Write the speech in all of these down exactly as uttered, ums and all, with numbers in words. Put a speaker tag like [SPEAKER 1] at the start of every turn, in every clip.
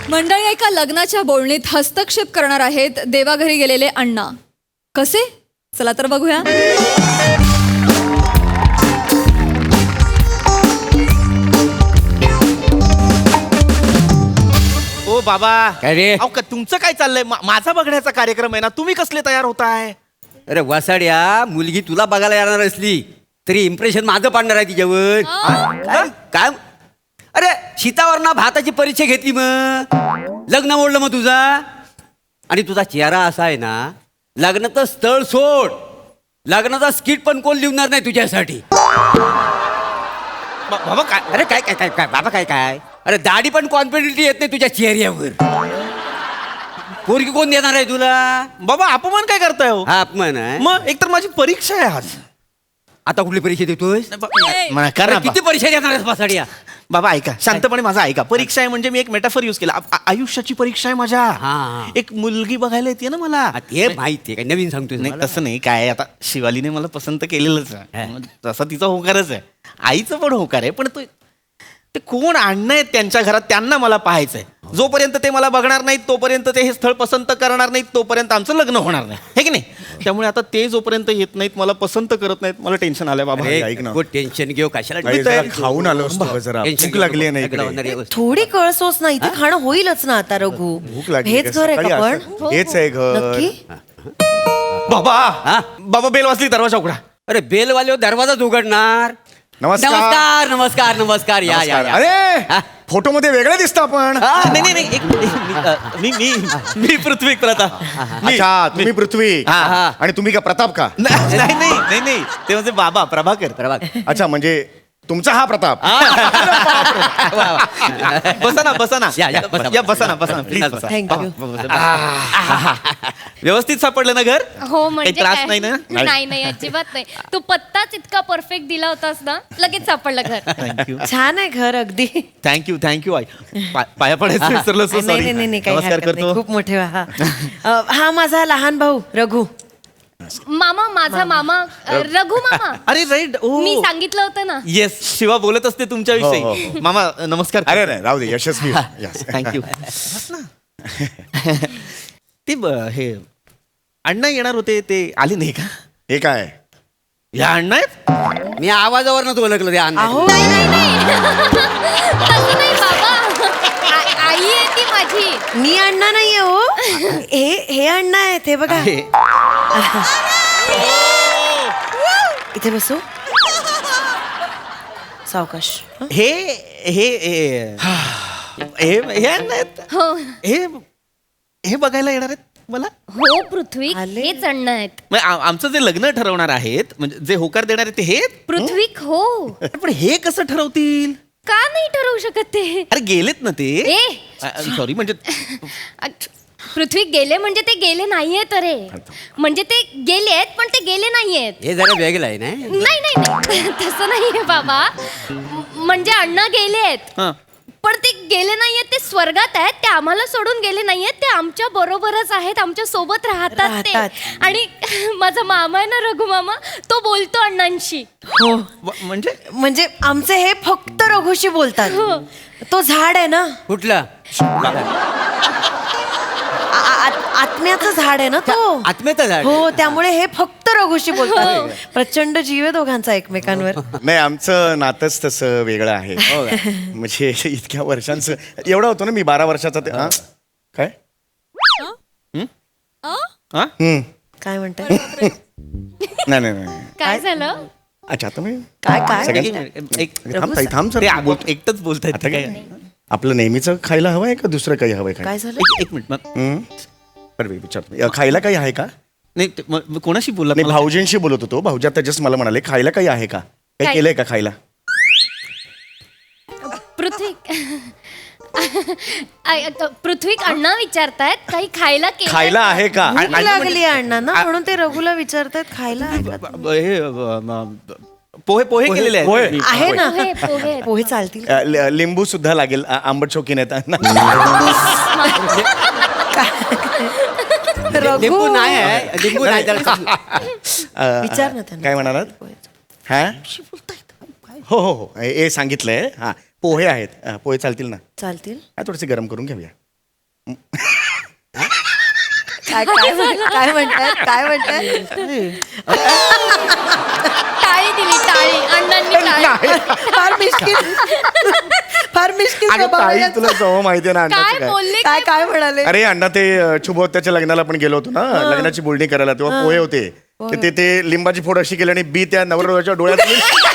[SPEAKER 1] मंडळी एका लग्नाच्या बोलणीत हस्तक्षेप करणार आहेत देवाघरी गेलेले अण्णा. कसे? चला तर बघूया.
[SPEAKER 2] ओ बाबा
[SPEAKER 3] काय रे?
[SPEAKER 2] अहो, का- तुमचं काय चाललंय? मा- माझा बघण्याचा कार्यक्रम आहे ना, तुम्ही कसले तयार होताय?
[SPEAKER 3] अरे वसाड्या, मुलगी तुला बघायला येणार असली तरी इम्प्रेशन माझं पाडणार आहे तिच्यावर. काय काय? अरे शीतावर ना भाताची परीक्षा घेतली, मग लग्न मोडलं मग तुझा. आणि तुझा चेहरा असा आहे ना, लग्नाचं स्थळ सोड, लग्नाचा स्किट पण कोण लिहणार नाही तुझ्यासाठी.
[SPEAKER 2] बा- बाबा काय?
[SPEAKER 3] अरे काय काय काय काय बाबा काय काय? अरे दाढी पण कॉन्फिडेंटली येत नाही तुझ्या चेहऱ्यावर. पोरगी कोण देणार आहे तुला?
[SPEAKER 2] बाबा अपमान काय करताय हो?
[SPEAKER 3] हा अपमान आहे.
[SPEAKER 2] मग एकतर माझी परीक्षा आहे आज.
[SPEAKER 3] आता कुठली परीक्षा देतोय?
[SPEAKER 2] बा- म्हणा, कर ना,
[SPEAKER 3] अरे किती परीक्षा देणार आहेस बसाड्या?
[SPEAKER 2] बाबा ऐका, शांतपणे माझा ऐका. परीक्षा आहे म्हणजे मी एक मेटाफर युज केला. आ- आयुष्याची परीक्षा आहे माझ्या.
[SPEAKER 3] हा.
[SPEAKER 2] एक मुलगी बघायला येते ना मला.
[SPEAKER 3] हा, ते माहिती आहे, काय नवीन सांगतोय
[SPEAKER 2] नाही तसं नाही, काय आता शिवालीने मला पसंत केलेलंच आहे. मग तसा तिचा होकारच आहे, आईचं पण होकार आहे. पण तो ते कोण आणणं आहेत त्यांच्या घरात, त्यांना मला पाहायचंय. जोपर्यंत ते मला बघणार नाहीत तोपर्यंत ते हे स्थळ पसंत करणार नाहीत, तोपर्यंत आमचं लग्न होणार नाही, हे की नाही? त्यामुळे आता ते जोपर्यंत येत नाहीत, मला पसंत करत नाहीत, मला टेन्शन आलंय बाबा.
[SPEAKER 3] अरे,
[SPEAKER 4] ऐक ना.
[SPEAKER 3] खूप टेन्शन घेऊ कशाला.
[SPEAKER 4] अरे, जरा खाऊन आलो असतो ग जरा.
[SPEAKER 3] टेन्शन
[SPEAKER 4] भूक
[SPEAKER 3] घेऊ
[SPEAKER 4] लागली
[SPEAKER 3] नको.
[SPEAKER 4] नाही
[SPEAKER 3] लग्न होणार
[SPEAKER 4] इकडे.
[SPEAKER 3] आहे.
[SPEAKER 5] थोडी कळसोच ना, इथे खाणं होईलच ना आता रघु.
[SPEAKER 4] भूक लागली
[SPEAKER 5] हेच घर आहे का
[SPEAKER 4] सकाळी
[SPEAKER 5] पण?
[SPEAKER 4] असं- हेच आहे घर.
[SPEAKER 5] नक्की?
[SPEAKER 2] बाबा
[SPEAKER 3] हा?
[SPEAKER 2] बाबा बेल वाजली, दरवाजा उघडा.
[SPEAKER 3] अरे बेलवाले दरवाजाच उघडणार.
[SPEAKER 4] नमस्कार.
[SPEAKER 3] नमस्कार नमस्कार नमस्कार या या या.
[SPEAKER 4] अरे
[SPEAKER 3] हा?
[SPEAKER 4] फोटो मध्ये वेगळं दिसतं आपण.
[SPEAKER 2] हा, नाही नाही नाही, एक- एक- मी- अ, मी मी मी पृथ्वी प्रताप. मी-
[SPEAKER 4] अच्छा, तुम्ही पृथ्वी
[SPEAKER 2] हा,
[SPEAKER 3] हा.
[SPEAKER 4] आणि तुम्ही का प्रताप का?
[SPEAKER 2] नाही नाही नाही नाही नाही, ते म्हणजे बाबा प्रभाकर.
[SPEAKER 3] प्रभाग.
[SPEAKER 4] अच्छा, म्हणजे तुमचा हा प्रताप.
[SPEAKER 2] बसा ना बसा ना
[SPEAKER 3] या, या, बसा,
[SPEAKER 2] या बसा ना बसा ना प्लीज
[SPEAKER 3] बसा.
[SPEAKER 2] बसा.
[SPEAKER 5] थँक्यू.
[SPEAKER 2] व्यवस्थित सापडलं ना घर?
[SPEAKER 6] हो म्हणजे
[SPEAKER 2] काही त्रास
[SPEAKER 6] काय?
[SPEAKER 2] नाही ना?
[SPEAKER 6] नाही नाही अजिबात नाही. तू पत्ताच इतका परफेक्ट दिला होतास ना, लगेच सापडलं घर.
[SPEAKER 2] थँक्यू
[SPEAKER 5] छान आहे घर अगदी.
[SPEAKER 2] थँक्यू थँक्यू आई. पा- पाया पडायचं विसरलो, so
[SPEAKER 5] नाही
[SPEAKER 2] sorry.
[SPEAKER 5] नाही नाही नाही, काही
[SPEAKER 2] नमस्कार
[SPEAKER 5] हरकत नाही.
[SPEAKER 2] करतो.
[SPEAKER 5] खूप मोठे हा अ, हा माझा लहान भाऊ रघु.
[SPEAKER 6] मामा माझा मामा अ, रघु मामा.
[SPEAKER 2] अरे राईट.
[SPEAKER 6] मी सांगितलं होतं ना.
[SPEAKER 2] येस, शिवा बोलत असते
[SPEAKER 4] हो, हो,
[SPEAKER 2] तुमच्याविषयी. मामा नमस्कार.
[SPEAKER 4] अरे नाही, राहू दे, यशस्वी. Yes.
[SPEAKER 2] थँक्यू. ते ब- हे अण्णा येणार होते, ते आले नाही का?
[SPEAKER 4] हे काय?
[SPEAKER 2] या अण्णा आहेत?
[SPEAKER 3] मी आवाजावरनं तो ओळखलं ते अण्णा.
[SPEAKER 5] अहो
[SPEAKER 6] नाही नाही नाही तसं नाही बाबा. आ- आई आहे ती माझी.
[SPEAKER 5] मी अण्णा नाहीये हो. हे हे अण्णा आहेत, हे बघा.
[SPEAKER 2] हे.
[SPEAKER 5] इथे बसू. सावकाश. हं?
[SPEAKER 2] हे हे हे हे हे अण्णा आहेत?
[SPEAKER 6] हो
[SPEAKER 2] हे हे बघायला येणार आहेत मला?
[SPEAKER 6] हो पृथ्वी
[SPEAKER 5] आले.
[SPEAKER 6] हेच अण्णा आहेत.
[SPEAKER 2] म्हणजे आ- आमचं जे लग्न ठरवणार आहेत, म्हणजे जे होकार देणार आहेत ते हे?
[SPEAKER 6] पृथ्वी हो.
[SPEAKER 2] पण हे कसं ठरवतील?
[SPEAKER 6] का नाही ठरवू शकत ते?
[SPEAKER 2] अरे गेलेत ना ते.
[SPEAKER 6] ए
[SPEAKER 2] सॉरी, म्हणजे
[SPEAKER 6] पृथ्वी गेले म्हणजे ते गेले नाहीयेत रे. म्हणजे ते गेलेत पण ते गेले नाहीयेत.
[SPEAKER 3] हे जरा वेगळं आहे ना.
[SPEAKER 6] नाही नाही नाही तसं नाहीये बाबा. म- म्हणजे अण्णा गेलेत
[SPEAKER 2] हा.
[SPEAKER 6] पण ते गेले नाहीयेत, ते स्वर्गात आहेत. ते आम्हाला सोडून गेले नाहीयेत, ते आमच्या बरोबरच आहेत, आमच्या सोबत राहतात ते.
[SPEAKER 5] राहतात.
[SPEAKER 6] आणि माझा मामा आहे ना रघु मामा, तो बोलतो अण्णांशी.
[SPEAKER 5] हो
[SPEAKER 2] व- म्हणजे
[SPEAKER 5] म्हणजे आमचे हे फक्त रघुशी बोलतात. तो झाड आहे ना,
[SPEAKER 3] कुठलं?
[SPEAKER 5] आ- आ- आत्म्याचं झाड आहे ना तो.
[SPEAKER 3] आत्म्याचं झाड.
[SPEAKER 5] हो, त्यामुळे हे फक्त रघुशी बोलतात. प्रचंड जीव आहे दोघांचा एकमेकांवर.
[SPEAKER 4] नाही, आमचं नातंच तसं वेगळं आहे. म्हणजे इतक्या वर्षांचं एवढा होतो ना मी, बारा वर्षाचा ते. हा? काय?
[SPEAKER 2] हा?
[SPEAKER 4] हम्म.
[SPEAKER 5] काय म्हणताय?
[SPEAKER 4] नाही नाही नाही.
[SPEAKER 6] काय झालं?
[SPEAKER 4] अच्छा, आता मी
[SPEAKER 5] काय काय
[SPEAKER 4] सगळ्यात-
[SPEAKER 2] एक
[SPEAKER 4] थांब ताई, थांब
[SPEAKER 2] ते
[SPEAKER 4] सर.
[SPEAKER 2] बोल- एकटंच बोलतायत
[SPEAKER 4] आता
[SPEAKER 2] काय?
[SPEAKER 4] काय आपलं नेहमीचं खायला हवंय का दुसरं काही हवंय काय?
[SPEAKER 5] काय झालं?
[SPEAKER 2] एक- एक मिनिट मग.
[SPEAKER 4] हम्म. बरं मी विचारतो, अ, खायला काही आहे का?
[SPEAKER 2] नाही ते- मग- मग कोणाशी बोलला?
[SPEAKER 4] नाही, भाऊजींशी बोलत होतो. भाऊजी आता जस्ट मला म्हणाले खायला काही आहे का, काही
[SPEAKER 6] काय?
[SPEAKER 4] केलंय का खायला?
[SPEAKER 6] पृथ्वी आय- अ, पृथ्वी अण्णा विचारतायत काही खायला केलंय
[SPEAKER 4] खायला
[SPEAKER 6] का?
[SPEAKER 4] आहे का?
[SPEAKER 5] भूक
[SPEAKER 4] आणि-
[SPEAKER 5] लागली अण्णांना म्हणून ते रघुला विचारतात खायला आहे का?
[SPEAKER 2] ब- ब- हे ब- म- पोहे पोहे केलेले आहेत.
[SPEAKER 4] पोहे.
[SPEAKER 2] मी.
[SPEAKER 5] आहे ना.
[SPEAKER 6] पोहे पोहे
[SPEAKER 5] पोहे चालतील.
[SPEAKER 4] अ, लि- लिंबू सुद्धा लागेल. आ- आंबट शौकीन आहेत.
[SPEAKER 3] लिंबू नाही आहे, लिंबू नाही त्याला.
[SPEAKER 4] अ,
[SPEAKER 5] विचार ना त्यांना.
[SPEAKER 4] काय म्हणालात? हा हो हो हो, हे हे सांगितलंय. हा, पोहे आहेत. अ, पोहे चालतील ना?
[SPEAKER 5] चालतील.
[SPEAKER 4] हा, थोडेसे गरम करून घेऊया.
[SPEAKER 5] काय काय म्हण- काय म्हणतात काय म्हणतात
[SPEAKER 6] टाळी दिली टाळी अण्णांनी टाळी
[SPEAKER 5] फार मिश्किल फार मिश्किल
[SPEAKER 4] अगं
[SPEAKER 5] स्वभाव आहे
[SPEAKER 4] ताई
[SPEAKER 5] यांचा.
[SPEAKER 4] तुला जवळ माहितीये ना अण्णाचं
[SPEAKER 6] काय
[SPEAKER 4] काय
[SPEAKER 6] बोलले
[SPEAKER 5] काय काय म्हणाले
[SPEAKER 4] अरे अण्णा ते अ, शुभोत्याच्या लग्नाला पण गेलो होतो ना लग्नाची बोलणी करायला तेव्हा पोहे होते तर ते ते लिंबाची फोड अशी केली आणि बी त्या नवरदेवाच्या डोळ्यात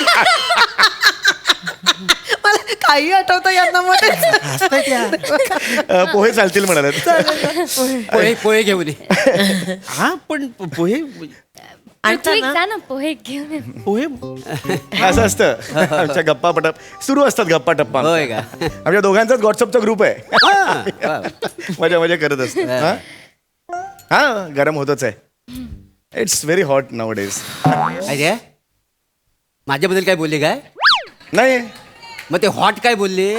[SPEAKER 5] मला काही आठवतं यांना मध्ये
[SPEAKER 4] अ, पोहे चालतील म्हणाले
[SPEAKER 3] पोहे पोहे घेऊन ये.
[SPEAKER 2] हा पण पोहे
[SPEAKER 6] पृथ्वी जा ना पोहे घेऊन ये.
[SPEAKER 2] पोहे
[SPEAKER 4] असं असतं आमच्या गप्पा पटप सुरू असतात गप्पा टप्पा
[SPEAKER 3] होय का?
[SPEAKER 4] आमच्या दोघांचाच व्हॉट्सअपचा ग्रुप आहे
[SPEAKER 3] हा, वा.
[SPEAKER 4] मजा मजा करत असतो हा? हा गरम होतच आहे it's very hot nowadays
[SPEAKER 3] अरे माझ्याबद्दल काय बोलले काय
[SPEAKER 4] नाही
[SPEAKER 3] मग ते हॉट काय बोलले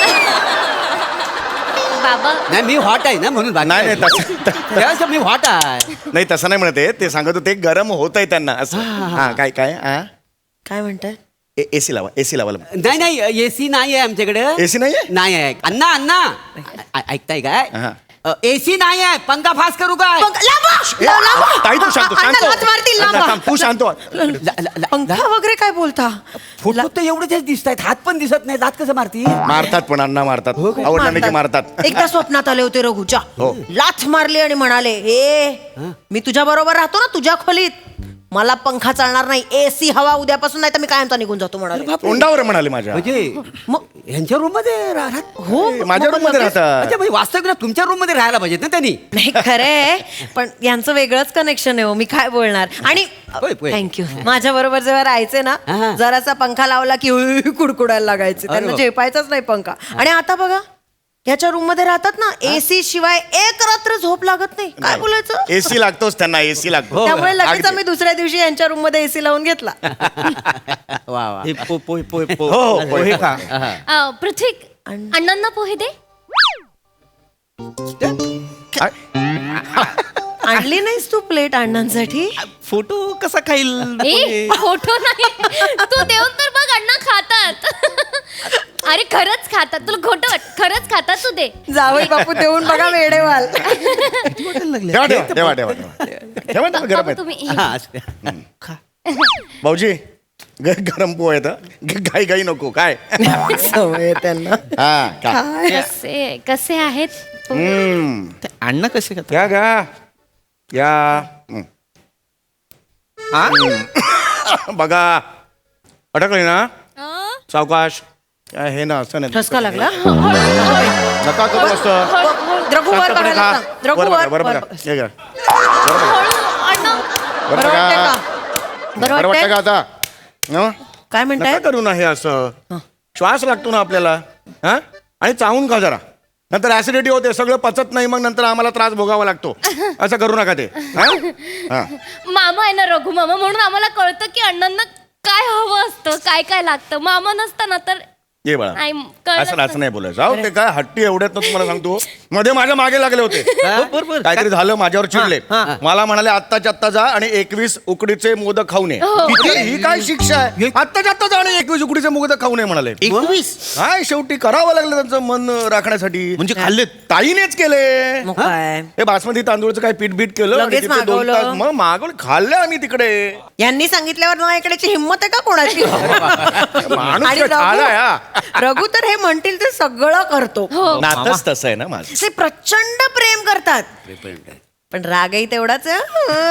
[SPEAKER 6] बाबा
[SPEAKER 3] नाही मी हॉट आहे ना म्हणून बाकी
[SPEAKER 4] नाही नाही
[SPEAKER 3] काय
[SPEAKER 4] तसं त-
[SPEAKER 3] त्यावेळेस मी हॉट आहे
[SPEAKER 4] नाही तसं नाही म्हणत आहे ते सांगत होते गरम होत आहे त्यांना असं हा काय काय हा
[SPEAKER 5] काय म्हणतात
[SPEAKER 4] एसी लावा एसी लावा
[SPEAKER 3] नाही नाही एसी नाही आहे आमच्याकडे
[SPEAKER 4] एसी नाहीये
[SPEAKER 3] नाही आहे अण्णा अण्णा ऐ- ऐकताय काय
[SPEAKER 4] हा.
[SPEAKER 3] एसी नाही आहे पंखा फास करू काय
[SPEAKER 5] पंख- लांब, लांब, लांब.
[SPEAKER 4] ताई तू शांत
[SPEAKER 5] अण्णा लाथ मारतील, लांब.
[SPEAKER 4] शांत तू शांत हो.
[SPEAKER 3] ल- ल- ल-
[SPEAKER 5] पंखा वगैरे काय बोलता
[SPEAKER 3] फोटो तर एवढेच दिसत आहेत हात पण दिसत नाही दात कसं मारती
[SPEAKER 4] मारतात पण अण्णा मारतात आवडलं नाही की मारतात
[SPEAKER 5] एकदा स्वप्नात आले होते रघुच्या
[SPEAKER 4] हो.
[SPEAKER 5] लाथ मारली आणि म्हणाले ए मी तुझ्या बरोबर राहतो ना तुझ्या खोलीत मला पंखा चालणार नाही एसी हवा उद्यापासून नाही तर मी कायमचा निघून जातो म्हणाले
[SPEAKER 4] तोंडावर म्हणाले माझ्या
[SPEAKER 3] म्हणजे
[SPEAKER 5] मग
[SPEAKER 3] यांच्या रूम मध्ये राहत
[SPEAKER 5] हो
[SPEAKER 4] माझ्या रूम मध्ये राहतात
[SPEAKER 3] अच्छा म्हणजे वास्तविक ना तुमच्या रूम मध्ये राहायला पाहिजेत ना त्यांनी
[SPEAKER 5] नाही खरंय पण यांचं वेगळंच कनेक्शन आहे हो मी काय बोलणार आणि
[SPEAKER 3] होय, होय.
[SPEAKER 5] थँक्यू माझ्या बरोबर जेव्हा राहायचे ना
[SPEAKER 3] हा.
[SPEAKER 5] जरासा पंखा लावला की उई, कुडकुडायला लागायचे त्यांना
[SPEAKER 3] बाप.
[SPEAKER 5] झेपायचाच नाही पंखा आणि आता बघा याच्या रूम मध्ये राहतात ना एसी शिवाय एक रात्र झोप लागत नाही काय बोलायचं
[SPEAKER 4] एसी लागतोच त्यांना एसी लागतो
[SPEAKER 5] त्यामुळे लगेच
[SPEAKER 4] अगदी.
[SPEAKER 5] आम्ही दुसऱ्या दिवशी यांच्या रूम मध्ये एसी लावून घेतला
[SPEAKER 3] वा वा
[SPEAKER 2] हे पो- पोहे पोहे
[SPEAKER 4] हो, हो,
[SPEAKER 2] पोहे पोहे का
[SPEAKER 6] अ, पृथ्वी अण्णांना पोहे दे
[SPEAKER 5] आणली नाहीस तू प्लेट अण्णांसाठी
[SPEAKER 2] फोटो कसा खाईल
[SPEAKER 6] ए फोटो नाही तू देऊन तर बघ अण्णा खातात अरे खरंच खातात तुला खोटं वाट खरंच खातात तू दे
[SPEAKER 5] जावई बापू देऊन बघा वेडेवाल
[SPEAKER 4] ठेवा ठेवा ठेवा ठेवा ठेवा ठेवा ना, गरम
[SPEAKER 6] बाबा,
[SPEAKER 4] आहेत
[SPEAKER 6] तुम्ही
[SPEAKER 3] हा, असू द्या.
[SPEAKER 4] भाऊजी ग- गरम पोहे आहेत ग- घाई घाई नको काय
[SPEAKER 5] सवय आहे त्यांना
[SPEAKER 4] हा का
[SPEAKER 6] कसे कसे आहेत पोहे?
[SPEAKER 4] हम्म.
[SPEAKER 2] ते अण्णा कसे खातात
[SPEAKER 4] या घ्या या हम्म.
[SPEAKER 2] हा?
[SPEAKER 4] बघा अटकली ना
[SPEAKER 1] अं?
[SPEAKER 4] सावकाश काय हे ना असं नाही
[SPEAKER 5] ठसका लागला
[SPEAKER 4] नका करू असं
[SPEAKER 5] रघु वर
[SPEAKER 4] शांतपणे
[SPEAKER 5] बघायला
[SPEAKER 4] खा.
[SPEAKER 5] सांग. रघु
[SPEAKER 4] वर बघा,
[SPEAKER 5] वर
[SPEAKER 4] वर
[SPEAKER 5] वर
[SPEAKER 4] बघा. हे घ्या.
[SPEAKER 6] हळू, अण्णा
[SPEAKER 4] वर
[SPEAKER 5] बरं वाटतंय
[SPEAKER 4] बघा.
[SPEAKER 5] का बरं
[SPEAKER 4] बरं वाटतं
[SPEAKER 5] वाटतंय
[SPEAKER 4] का आता हं?
[SPEAKER 5] काय
[SPEAKER 4] नका
[SPEAKER 5] म्हणताय
[SPEAKER 4] करू ना हे असं श्वास लागतो ना आपल्याला हा आणि चावून खा जरा नंतर ऍसिडिटी होते सगळं पचत नाही मग नंतर आम्हाला त्रास भोगावा लागतो असं करू नका ते हा? हा.
[SPEAKER 6] मामा आहे ना रघु मामा म्हणून आम्हाला कळतं की अण्णांना काय हवं असतं काय काय लागतं मामा नसतं ना तर
[SPEAKER 4] ये बाळा
[SPEAKER 6] नाही, कळलं
[SPEAKER 4] असं असं नाही बोलायचं जाऊ ते काय हट्टी एवढ्यात ना तुम्हाला सांगतो मध्ये माझ्या मागे लागले होते
[SPEAKER 2] बरोबर
[SPEAKER 4] काहीतरी झालं माझ्यावर चिडले
[SPEAKER 2] हा.
[SPEAKER 4] मला म्हणाले आत्ताच्या आत्ता जा आणि एकवीस उकडीचे मोदक खाऊ नये किती- ही काय शिक्षा आहे आत्ताच्या आत्ता जा आणि एकवीस उकडीचे मोदक खाऊ नये म्हणाले
[SPEAKER 2] एकवीस
[SPEAKER 4] काय शेवटी करावं लागलं त्यांचं मन राखण्यासाठी
[SPEAKER 2] म्हणजे खाल्लेत
[SPEAKER 4] ताईनेच केले
[SPEAKER 5] मग काय
[SPEAKER 4] हे बासमती तांदूळचं काय पीठ बीट केलं आणि
[SPEAKER 5] लगेच
[SPEAKER 4] तिथे दोन
[SPEAKER 5] मागवलं.
[SPEAKER 4] तास मग मागवलं खाल्लं आम्ही तिकडे
[SPEAKER 5] यांनी सांगितल्यावर ना इकडेची हिंमत आहे का कोणाची
[SPEAKER 4] माणूस
[SPEAKER 5] आणि
[SPEAKER 4] काय ठाला आहे,
[SPEAKER 5] रघु रघु तर हे म्हणतील ते सगळं करतो
[SPEAKER 4] हा. नातच तसं आहे ना माझं
[SPEAKER 5] ते प्रचंड प्रेम करतात पण रागही तेवढाच आहे,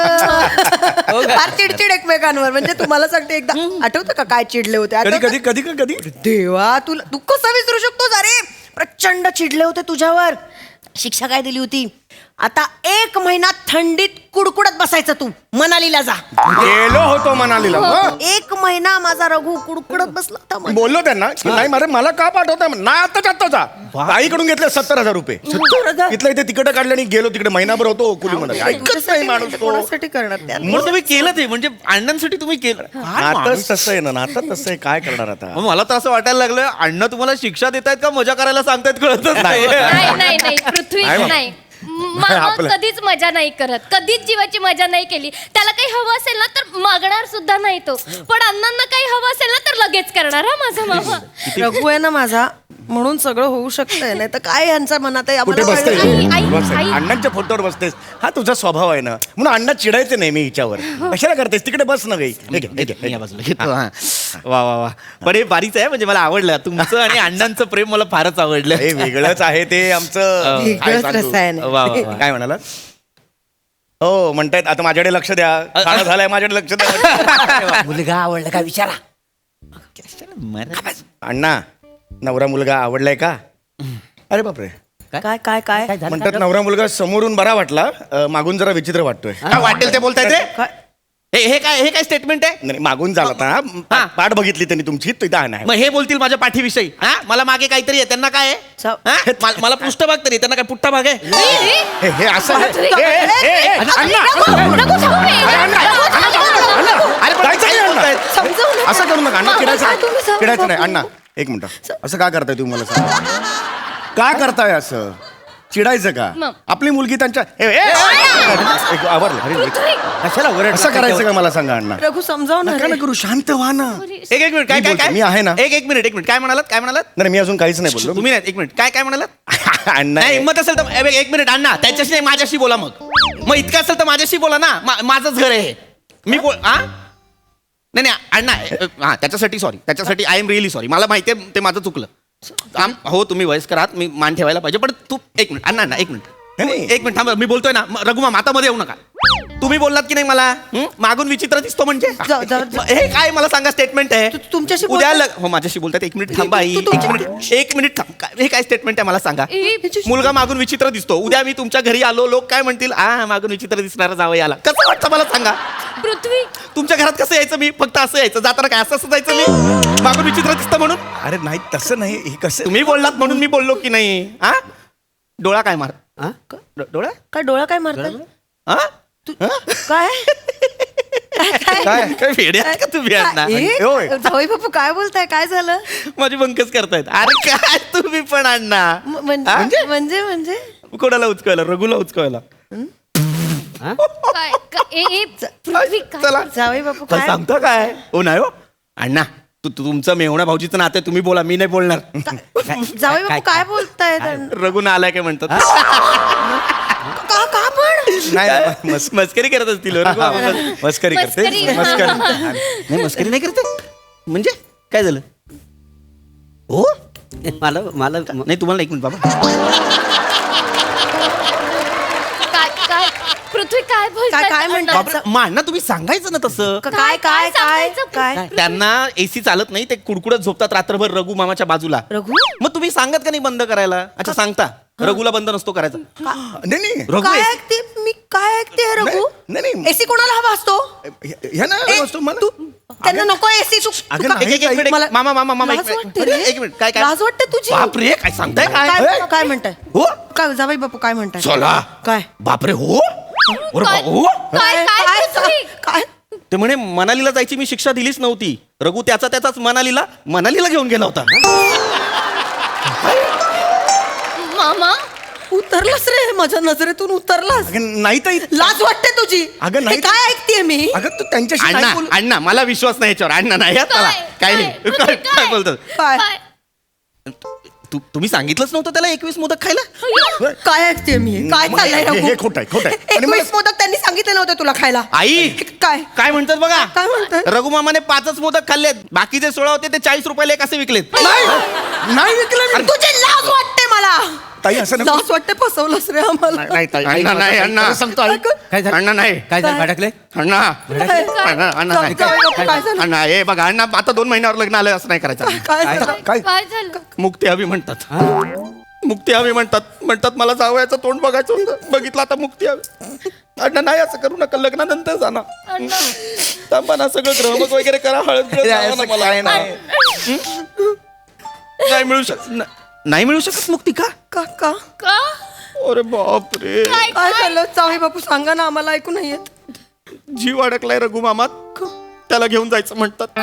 [SPEAKER 5] हं. फार चिडचिड एकमेकांवर म्हणजे तुम्हाला सांगते एकदा आठवतं का काय चिडले होते
[SPEAKER 4] कधी
[SPEAKER 5] आठवतं?
[SPEAKER 4] कधी कधी कधी
[SPEAKER 5] देवा तुला तू कसं विसरू शकतोस अरे प्रचंड चिडले होते तुझ्यावर शिक्षा काय दिली होती आता एक महिना थंडीत कुडकुडत बसायचं तू मनालीला जा
[SPEAKER 4] गेलो होतो मनालीला मग
[SPEAKER 5] एक महिना माझा रघु कुडकुडत बसला होता
[SPEAKER 4] मी
[SPEAKER 5] मनाली.
[SPEAKER 4] बोललो त्यांना की नाही मारे मला का पाठवताय नाही आत्ताच आत्ताचा ताईकडून घेतले सत्तर हजार रुपये इथलं इथे तिकडे काढले आणि गेलो तिकडे महिनाभर होतो कुली म्हणत ऐकत नाही माणूस तो
[SPEAKER 5] कोणासाठी करणार त्या
[SPEAKER 2] मग तुम्ही केलं ते म्हणजे अण्णांसाठी तुम्ही केलं काय माणूस?
[SPEAKER 4] नातच तसं आहे ना नातच तसं आहे काय करणार आता
[SPEAKER 2] मग मला तर असं वाटायला लागलं अण्णा तुम्हाला शिक्षा देत आहेत का मजा करायला सांगतायत कळतच नाही
[SPEAKER 6] नाही नाही नाही पृथ्वी
[SPEAKER 4] नाही बाबा.
[SPEAKER 6] नाही मामा
[SPEAKER 4] आपलं.
[SPEAKER 6] कधीच मजा नाही करत कधीच जीवाची मजा नाही केली त्याला काही हवं असेल ना तर मागणार सुद्धा नाही तो पण अण्णांना काही हवं असेल ना तर लगेच करणार हा माझा मामा
[SPEAKER 5] रघु आहे ना माझा म्हणून सगळं होऊ शकतंय नाही तर काय यांच्या मनात आहे
[SPEAKER 4] कुठे
[SPEAKER 5] आम्हाला
[SPEAKER 4] बसतेस
[SPEAKER 5] कळलं नाही.
[SPEAKER 6] आई, आई,
[SPEAKER 4] बसतेस.
[SPEAKER 6] आई.
[SPEAKER 4] अण्णांच्या फोटोवर बसतेस हा तुझा स्वभाव आहे ना म्हणून अण्णा चिडायचे नाही मी हिच्यावर कशाला करतेस तिकडे बस ना गई हे घे, हे घे, हे
[SPEAKER 2] या
[SPEAKER 4] घे.
[SPEAKER 2] बाजूला घेतो हा. वा वा वा पण हे बारीच आहे म्हणजे मला आवडलं तुमचं आणि अण्णांचं प्रेम मला फारच आवडलं
[SPEAKER 4] हे वेगळंच आहे ते आमचं काय
[SPEAKER 5] वेगळंच
[SPEAKER 4] सांगू?
[SPEAKER 5] रसायन आहे.
[SPEAKER 2] वा वा वा
[SPEAKER 4] काय म्हणाला हो म्हणतायत आता माझ्याकडे लक्ष द्या खाणं झालंय माझ्याकडे लक्ष द्या
[SPEAKER 3] मुलगा आवडला का विचारा
[SPEAKER 4] अण्णा नवरा मुलगा आवडलाय का अरे बापरे
[SPEAKER 5] काय काय काय
[SPEAKER 3] काय झालं?
[SPEAKER 4] म्हणतात नवरा मुलगा समोरून बरा वाटला अं, मागून जरा विचित्र वाटतोय
[SPEAKER 2] काय वाटेल ते बोलताय ते
[SPEAKER 5] काय?
[SPEAKER 2] हे हे काय हे काय स्टेटमेंट आहे
[SPEAKER 4] नाही मागून झाला होता
[SPEAKER 2] हा.
[SPEAKER 4] पाठ बघितली त्यांनी तुमची तिथं नाही
[SPEAKER 2] मग हे बोलतील माझ्या पाठीविषयी हा मला मागे काहीतरी आहे त्यांना काय आहे
[SPEAKER 5] सा-
[SPEAKER 2] हा? मला- मला पृष्ठभाग तरी त्यांना काय पुट्टा भाग आहे
[SPEAKER 4] हे हे असं आहे.
[SPEAKER 6] बापरे.
[SPEAKER 4] ए, ए, ए, ए, अण्णा,
[SPEAKER 6] रघु, रघु, थांब रे.
[SPEAKER 4] अरे, अण्णा, अण्णा, अण्णा, अरे, पण
[SPEAKER 2] जायचं
[SPEAKER 4] काय
[SPEAKER 2] नाही,
[SPEAKER 4] बोलतायत?
[SPEAKER 5] समजावू नका.
[SPEAKER 4] असं करू नका अण्णा
[SPEAKER 5] काय
[SPEAKER 4] चिडायचं
[SPEAKER 5] तुम्ही
[SPEAKER 4] नाही.
[SPEAKER 5] सांगा,
[SPEAKER 4] चिडायचं नाही
[SPEAKER 5] बापू.
[SPEAKER 4] अण्णा एक मिनिट असं का करताय तुम्ही मला सांगा का करताय असं चिडायचं का
[SPEAKER 6] मग.
[SPEAKER 4] आपली मुलगी त्यांच्या ए, ए, ए, एक आवरलं अरे, एक-
[SPEAKER 3] कशाला ओरड
[SPEAKER 4] असं करायचं का मला सांगा अण्णा
[SPEAKER 5] रघु समजाव ना
[SPEAKER 4] नका
[SPEAKER 5] रे.
[SPEAKER 4] ना करू शांत व्हा ना
[SPEAKER 2] एक एक मिनिट काय
[SPEAKER 4] मी
[SPEAKER 2] काय
[SPEAKER 4] बोलतो,
[SPEAKER 2] काय
[SPEAKER 4] मी आहे ना.
[SPEAKER 2] एक एक मिनिट एक मिनिट काय म्हणालात काय म्हणालात
[SPEAKER 4] नाही मी अजून काहीच नाही बोललो
[SPEAKER 2] तुम्ही नाही एक मिनिट काय काय म्हणालात
[SPEAKER 4] अण्णा
[SPEAKER 2] नाही हिंमत असेल तर ए, एक मिनिट अण्णा त्याच्याशी नाही माझ्याशी बोला मग मग इतकं असेल तर माझ्याशी बोला ना मा- माझंच घर आहे हे. मी बोल हा नाही नाही अण्णा ए, हा त्याच्यासाठी सॉरी त्याच्यासाठी आय एम रिअली सॉरी मला माहिती आहे ते माझं चुकलं आम- हो तुम्ही वयस्कर आहात मी मान ठेवायला पाहिजे पण तू एक मिनिट अण्णा अण्णा एक मिनिट
[SPEAKER 4] नाही.
[SPEAKER 2] एक मिनिट थांबा मी बोलतोय ना म- रघुमा मातामध्ये येऊ नका तुम्ही बोललात की नाही मला हं? मागून विचित्र दिसतो म्हणजे
[SPEAKER 5] जा- जा- जा-
[SPEAKER 2] हे काय मला सांगा स्टेटमेंट आहे
[SPEAKER 5] तू- तुमच्याशी
[SPEAKER 2] उद्या
[SPEAKER 5] बोलतात?
[SPEAKER 2] लग- हो माझ्याशी बोलतात एक मिनिट थांबा आई
[SPEAKER 5] तू- तू-
[SPEAKER 2] एक मिनिट एक मिनिट थांब काय- हे काय स्टेटमेंट आहे मला सांगा
[SPEAKER 6] ए,
[SPEAKER 2] मुलगा मागून विचित्र दिसतो उद्या मी तुमच्या घरी आलो लोक काय म्हणतील आ मागून विचित्र दिसणारा जावं याला कसं वाटतं मला सांगा
[SPEAKER 6] पृथ्वी
[SPEAKER 2] तुमच्या घरात कसं यायचं मी फक्त असं यायचं जाताना काय असं असं जायचं मी मागून विचित्र दिसतं म्हणून
[SPEAKER 4] अरे नाही तसं नाही हे कसं
[SPEAKER 2] तुम्ही बोललात म्हणून मी बोललो की नाही हा डोळा काय मार
[SPEAKER 3] हा?
[SPEAKER 2] डो- डोळा
[SPEAKER 5] काय डोळा काय मारतात
[SPEAKER 2] हा
[SPEAKER 5] तू काय काय
[SPEAKER 2] काय काय वेडे आहे का तुम्ही अण्णा
[SPEAKER 5] ए,
[SPEAKER 4] होय.
[SPEAKER 5] जावई बापू काय बोलताय काय झालं
[SPEAKER 2] माझी बंकच करतायत अरे काय तुम्ही पण अण्णा
[SPEAKER 5] म- म्हणजे म्हणजे म्हणजे
[SPEAKER 2] कोणाला उचकायला रघुला उचकायला
[SPEAKER 6] काय काय- ए, ए, पृथ्वी काय
[SPEAKER 2] चला
[SPEAKER 5] जावई बापू
[SPEAKER 2] काय
[SPEAKER 5] काय
[SPEAKER 2] सांगतो काय हो नाही हो अण्णा तू तू- तुमचं मेवणा भाऊजीचं नातं आहे, तुम्ही बोला मी नाही बोलणार
[SPEAKER 5] जावई बापू काय बोलताय
[SPEAKER 2] रघुना आलाय काय म्हणतात
[SPEAKER 5] का का पण
[SPEAKER 4] नाही मस-
[SPEAKER 2] मस्करी करत असतील हो, रघु मामा.
[SPEAKER 4] मस्करी करते
[SPEAKER 6] मस्करी, हा.
[SPEAKER 4] मस्करी
[SPEAKER 2] नाही मस्करी नाही करते म्हणजे काय झालं हो
[SPEAKER 3] मला मला
[SPEAKER 2] नाही तुम्हाला एक मिनिट बाबा
[SPEAKER 6] काय काय पृथ्वी काय बोलताय?
[SPEAKER 5] काय- काय म्हणताय?
[SPEAKER 6] अण्णा,
[SPEAKER 2] बापरे, मा अण्णा तुम्ही सांगायचं ना तसं
[SPEAKER 5] काय काय काय
[SPEAKER 6] सांगायचं?
[SPEAKER 5] काय
[SPEAKER 2] त्यांना एसी चालत नाही ते कुडकुडत झोपतात रात्रभर रघु मामाच्या बाजूला
[SPEAKER 5] रघु
[SPEAKER 2] मग तुम्ही सांगत का नाही बंद करायला अच्छा सांगता रघुला बंद नसतो करायचा
[SPEAKER 4] नाही नाही
[SPEAKER 2] रघु
[SPEAKER 5] काय
[SPEAKER 2] AC
[SPEAKER 5] ऐकते मी काय ऐकते रघु
[SPEAKER 4] नाही, नाही.
[SPEAKER 5] एसी कोणाला हवा असतो
[SPEAKER 4] हे- ह्या ना
[SPEAKER 5] ए,
[SPEAKER 4] वस्तू मला
[SPEAKER 5] तू त्यांना नको एसी तू
[SPEAKER 4] अगं,
[SPEAKER 5] तू का-
[SPEAKER 2] एक एक एक मिनिट
[SPEAKER 5] मला-
[SPEAKER 2] मामा मामा मामा एक
[SPEAKER 5] लाज
[SPEAKER 2] मिनिट
[SPEAKER 5] वाटते रे.
[SPEAKER 2] एक मिनिट काय काय
[SPEAKER 5] लाज वाटते तुझी
[SPEAKER 2] बापरे काय सांगताय काय
[SPEAKER 5] काय काय म्हणताय
[SPEAKER 2] हो
[SPEAKER 5] काय जावई बापू काय म्हणताय
[SPEAKER 2] चला
[SPEAKER 5] काय
[SPEAKER 2] बापरे हो अरे
[SPEAKER 6] काय-
[SPEAKER 2] बाबा, हो
[SPEAKER 6] काय काय पृथ्वी?
[SPEAKER 5] काय
[SPEAKER 2] ते म्हणे मनालीला जायची मी शिक्षा दिलीच नव्हती रघु त्याचा त्याचाच मनालीला मनालीला घेऊन गेला होता
[SPEAKER 6] मामा
[SPEAKER 5] उतरलास रे माझ्या नजरेतून उतरलास
[SPEAKER 4] अगं, नाही तर
[SPEAKER 5] लाज वाटते तुझी
[SPEAKER 4] अगं, नाही.
[SPEAKER 5] हे काय ऐकते मी
[SPEAKER 4] अगं तू त्यांच्याशी
[SPEAKER 2] अण्णा
[SPEAKER 4] काय बोल
[SPEAKER 2] अण्णा मला विश्वास नाही याच्यावर अण्णा नाही यात मला
[SPEAKER 6] काय?
[SPEAKER 2] काय नाही.
[SPEAKER 6] काय?
[SPEAKER 2] काय
[SPEAKER 6] काय?
[SPEAKER 2] काय बोलतात
[SPEAKER 5] काय
[SPEAKER 6] काय
[SPEAKER 2] तू तुम्ही सांगितलंच नव्हतं त्याला एकवीस मोदक खायला
[SPEAKER 5] काय ऐकते मी काय
[SPEAKER 4] मग
[SPEAKER 5] चाललंय
[SPEAKER 4] हे-
[SPEAKER 5] रघु?
[SPEAKER 4] हे खोटं आहे, खोटं आहे. आणि मला-
[SPEAKER 5] एकवीस मोदक त्यांनी सांगितले नव्हते तुला खायला
[SPEAKER 2] आई
[SPEAKER 5] काय
[SPEAKER 2] काय म्हणतात बघा
[SPEAKER 5] काय म्हणतात?
[SPEAKER 2] रघुमामाने पाचच मोदक खाल्लेत बाकीचे सोळा होते ते चाळीस रुपयाला एक असे विकलेत
[SPEAKER 4] नाही नाही विकलं मी.
[SPEAKER 5] तुझी लाज वाटते मला
[SPEAKER 4] ताई असं नको.
[SPEAKER 5] लाज वाटते फसवलंस रे आम्हाला
[SPEAKER 4] नाही ताई
[SPEAKER 2] अण्णा नाही अण्णा
[SPEAKER 4] खरं सांगतो आई.
[SPEAKER 3] काय झालं
[SPEAKER 2] अण्णा नाही
[SPEAKER 3] काय झालं भडकले
[SPEAKER 2] अण्णा अण्णा अण्णा नाही
[SPEAKER 5] जावई बापू, काय झालं?
[SPEAKER 2] अण्णा हे बघा अण्णा आता दोन महिन्यावर लग्न आलं असं नाही करायचं
[SPEAKER 5] काय झालं?
[SPEAKER 4] काय
[SPEAKER 6] काय झालं
[SPEAKER 2] मुक्ती हवी म्हणतात मुक्ती हवी म्हणतात म्हणतात मला जावयाचं तोंड बघायचं होतं बघितलं आता मुक्ती हवी अण्णा नाही असं करू नका लग्नानंतर जा ना
[SPEAKER 6] अण्णा
[SPEAKER 2] थांबा ना सगळं ग्रहमक वगैरे करा हळद बिळद लावा ना
[SPEAKER 4] असं
[SPEAKER 2] मला
[SPEAKER 4] काय नाही.
[SPEAKER 2] नाही मिळू शकत न- नाही मिळू शकत मुक्ती का
[SPEAKER 5] का का
[SPEAKER 6] का
[SPEAKER 2] अरे बापरे
[SPEAKER 6] काय
[SPEAKER 5] काय
[SPEAKER 6] काय
[SPEAKER 5] झालं जावई बापू सांगा ना आम्हाला ऐकू नाही येत
[SPEAKER 2] जीव अडकलाय रघु मामात त्याला घेऊन जायचं म्हणतात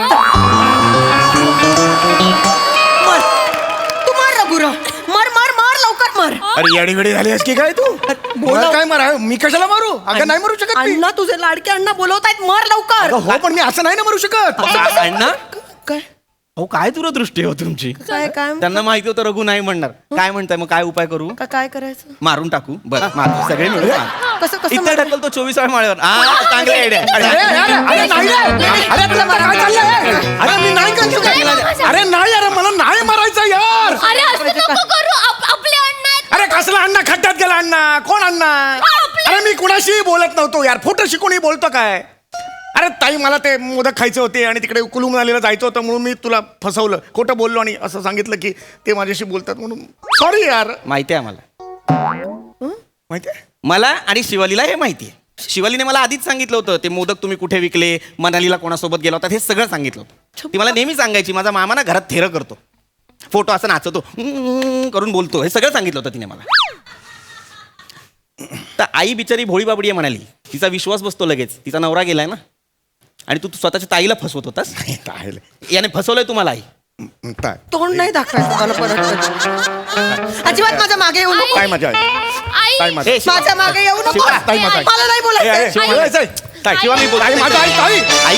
[SPEAKER 5] मर तू मार रघुरा मार मार मार लवकर मार
[SPEAKER 4] अरे येडी वेडी झाली आहेस की काय तू मला काय मारा मी कशाला मारू अगं नाही मारू शकत मी.
[SPEAKER 5] अण्णा तुझे लाडके अण्णा बोलवतायत मार लवकर
[SPEAKER 4] अगं, हो पण मी असं नाही ना मारू शकत
[SPEAKER 2] अण्णा
[SPEAKER 5] काय
[SPEAKER 2] अहो काय दूरदृष्टी हो तुमची
[SPEAKER 5] काय काय
[SPEAKER 2] त्यांना माहिती होतं रघु नाही म्हणणार काय म्हणताय मग काय उपाय करू
[SPEAKER 5] का- काय करायचं
[SPEAKER 2] मारून टाकू बरं मारू सगळे मिळून मारू.
[SPEAKER 5] कसं कसं
[SPEAKER 2] इथे ढकलतो चोवीस वेळा माळ्यावर हा चांगली आयडिया
[SPEAKER 4] अरे अरे अरे नाही रे. अरे तुला काय चाललंय अरे मी नाही करतो अरे नाही अरे मला नाही मारायचं यार
[SPEAKER 6] अरे असं नको करू आप- आपले अण्णा आहेत.
[SPEAKER 4] अरे कसला अण्णा खड्ड्यात गेला अण्णा कोण अण्णा अरे मी कुणाशी बोलत नव्हतो यार फोटो शिकून बोलतो काय अरे ताई मला ते मोदक खायचे होते आणि तिकडे कुलू मनालीला जायचं होतं म्हणून मी तुला फसवलं खोटं बोललो आणि असं सांगितलं की ते माझ्याशी बोलतात म्हणून सॉरी यार
[SPEAKER 2] माहिती आहे मला
[SPEAKER 4] माहिती आहे
[SPEAKER 2] मला आणि शिवालीला हे माहिती आहे शिवालीने मला आधीच सांगितलं होतं ते मोदक तुम्ही कुठे विकले मनालीला कोणासोबत गेला होता हे सगळं सांगितलं होतं ती मला नेहमी सांगायची माझा मामा ना घरात थेरं करतो फोटो असं नाचतो "हम्म" करून बोलतो हे सगळं सांगितलं होतं तिने मला तर आई बिचारी भोळी बाबडी आहे म्हणाली तिचा विश्वास बसतो लगेच तिचा नवरा गेलाय ना आणि तू तू स्वतःच्या ताईला फसवत होतास
[SPEAKER 4] काय
[SPEAKER 2] याने फसवलंय तुम्हाला आई
[SPEAKER 4] काय
[SPEAKER 5] तोंड नाही दाखवायचं मला परत अजिबात माझ्या मागे येऊ नको
[SPEAKER 4] काय मजा आहे
[SPEAKER 6] आई
[SPEAKER 4] काय मजा
[SPEAKER 2] ए, शिवा-
[SPEAKER 5] माझ्या मागे येऊ नको
[SPEAKER 2] शिवा,
[SPEAKER 4] ताई माझा आहे.
[SPEAKER 5] मला नाही
[SPEAKER 4] ए, ए,
[SPEAKER 5] बोलायचं
[SPEAKER 4] शिवा, बोलायचंय.
[SPEAKER 2] ताई, शिवा मी बोलतो.
[SPEAKER 4] ताई, माझा आई, ताई.
[SPEAKER 2] आई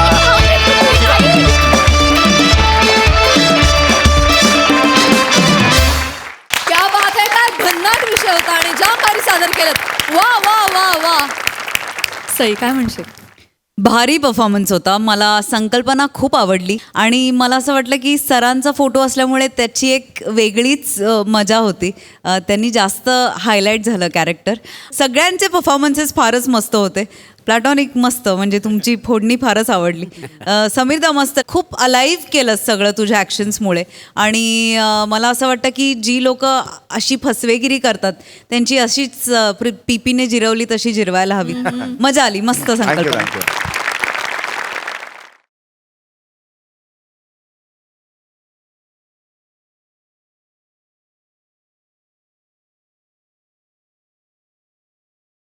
[SPEAKER 1] क्या बात आहे काय भन्नाट विषय होता आणि ज्या भारी सादर केलं वा वा वा वा सई काय म्हणशील
[SPEAKER 7] भारी परफॉर्मन्स होता मला संकल्पना खूप आवडली आणि मला असं वाटलं की सरांचा फोटो असल्यामुळे त्याची एक वेगळीच अ, मजा होती अ, त्यांनी जास्त हायलाईट झालं कॅरेक्टर सगळ्यांचे परफॉर्मन्सेस फारच मस्त होते प्लॅटॉनिक मस्त म्हणजे तुमची फोडणी फारच आवडली अ, समीरदा मस्त खूप अलाइव्ह केलं सगळं तुझ्या ॲक्शन्समुळे आणि अ, मला असं वाटतं की जी लोक अशी फसवेगिरी करतात त्यांची अशीच पीपीने जिरवली तशी जिरवायला हवी मजा आली मस्त
[SPEAKER 4] थँक्यू
[SPEAKER 7] संकल्पना
[SPEAKER 4] थँक्यू